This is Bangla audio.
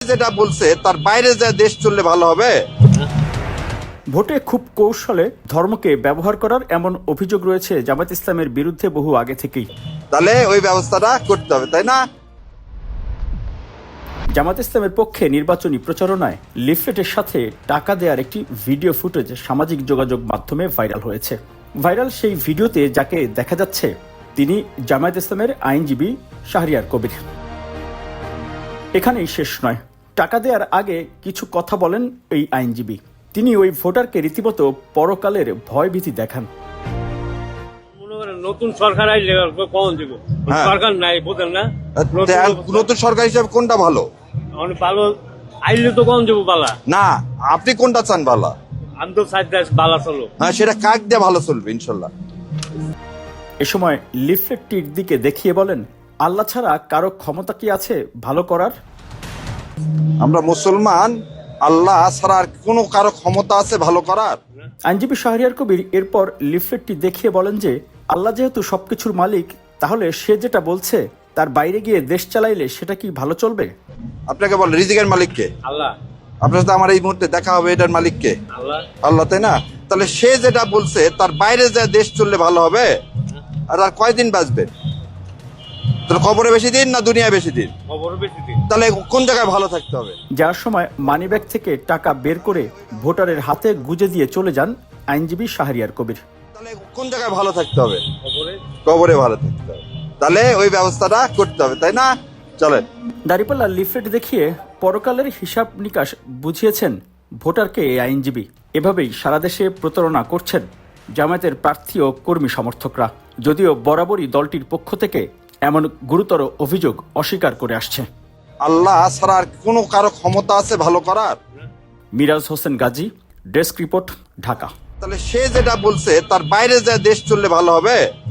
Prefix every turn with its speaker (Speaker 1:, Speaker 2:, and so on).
Speaker 1: যেটা বলছে তার বাইরে যা দেশ চললে ভালো হবে।
Speaker 2: ভোটে খুব কৌশলে ধর্মকে ব্যবহার করার এমন অভিযোগ রয়েছে জামায়াত ইসলামের বিরুদ্ধে বহু আগে থেকেই।
Speaker 1: তাহলে ওই ব্যবস্থাটা করতে হবে, তাই না?
Speaker 2: জামায়াত ইসলামের পক্ষে নির্বাচনী প্রচারণায় লিফলেটের সাথে টাকা দেওয়ার একটি ভিডিও ফুটেজ সামাজিক যোগাযোগ মাধ্যমে ভাইরাল হয়েছে। ভাইরাল সেই ভিডিওতে যাকে দেখা যাচ্ছে তিনি জামায়াত ইসলামের আইনজীবী শাহরিয়ার কবির। এখানেই শেষ নয়, টাকা দেওয়ার আগে কিছু কথা বলেন এই আইনজীবী। তিনি ওই ভোটারকে রীতিমতো পরকালের ভয়ভীতি দেখান।
Speaker 3: নতুন সরকার আইলে কখন দিব? সরকার নাই, বোঝেন না?
Speaker 1: নতুন সরকার হিসেবে কোনটা ভালো?
Speaker 3: ভালো আইলে তো কখন দিব বালা
Speaker 1: না, আপনি কোনটা চান ভালো?
Speaker 3: আমি তো চাই বালা চলো।
Speaker 1: হ্যাঁ, সেটা কাক দিয়ে ভালো চলবে ইনশাল্লাহ।
Speaker 2: এ সময় লিফলেটটির দিকে দেখিয়ে বলেন, আল্লাহ ছাড়া কারো ক্ষমতা কি আছে ভালো করার?
Speaker 1: আমরা মুসলমান, আল্লাহ ছাড়া আর কোনো কারো ক্ষমতা আছে ভালো করার?
Speaker 2: আইনজীবী শাহরিয়ার কবির এরপর লিফলেটটি দেখিয়ে বলেন যে আল্লাহ যেহেতু সবকিছুর মালিক, তাহলে সে যেটা বলছে তার বাইরে গিয়ে দেশ চালাইলে সেটা কি ভালো চলবে?
Speaker 1: আপনাকে বল, রিজিকের মালিক কে?
Speaker 3: আল্লাহ।
Speaker 1: আপনার সাথে আমার এই মুহূর্তে দেখা হবে, এটার মালিক কে?
Speaker 3: আল্লাহ।
Speaker 1: আল্লাহ, তাই না? তাহলে সে যেটা বলছে তার বাইরে যা দেশ চললে ভালো হবে। আর কয়দিন বাঁচবে? তাহলে খবরে বেশি দিন না দুনিয়া বেশি দিন?
Speaker 3: খবর বেশি দিন।
Speaker 1: তাহলে কোন জায়গায় ভালো থাকতে হবে?
Speaker 2: যার সময় মানিব্যাগ থেকে টাকা বের করে ভোটারের হাতে গুজে দিয়ে চলে যান আইনজীবী শাহরিয়ার কবির।
Speaker 1: তাহলে কোন জায়গায় ভালো থাকতে হবে?
Speaker 3: খবরে
Speaker 1: কবরে ভালো থাকতে হবে। তাহলে ওই ব্যবস্থাটা করতে হবে, তাই না? চলেন।
Speaker 2: দাঁড়িপাল্লা লিফলেট দেখিয়ে পরকালের হিসাব নিকাশ বুঝিয়েছেন ভোটারকে এই আইনজীবী। এভাবেই সারা দেশে প্রতারণা করছেন জামায়াতের প্রার্থী ও কর্মী সমর্থকরা, যদিও বরাবরই দলটির পক্ষ থেকে এমন গুরুতর অভিযোগ অস্বীকার করে আসছে।
Speaker 1: আল্লাহ ছাড়া আর কোনো কারো ক্ষমতা আছে ভালো করার?
Speaker 2: Miraj Hossain Gazi, desk report, Dhaka.
Speaker 1: তাহলে সে যেটা বলছে তার বাইরে যা দেশ চললে ভালো হবে।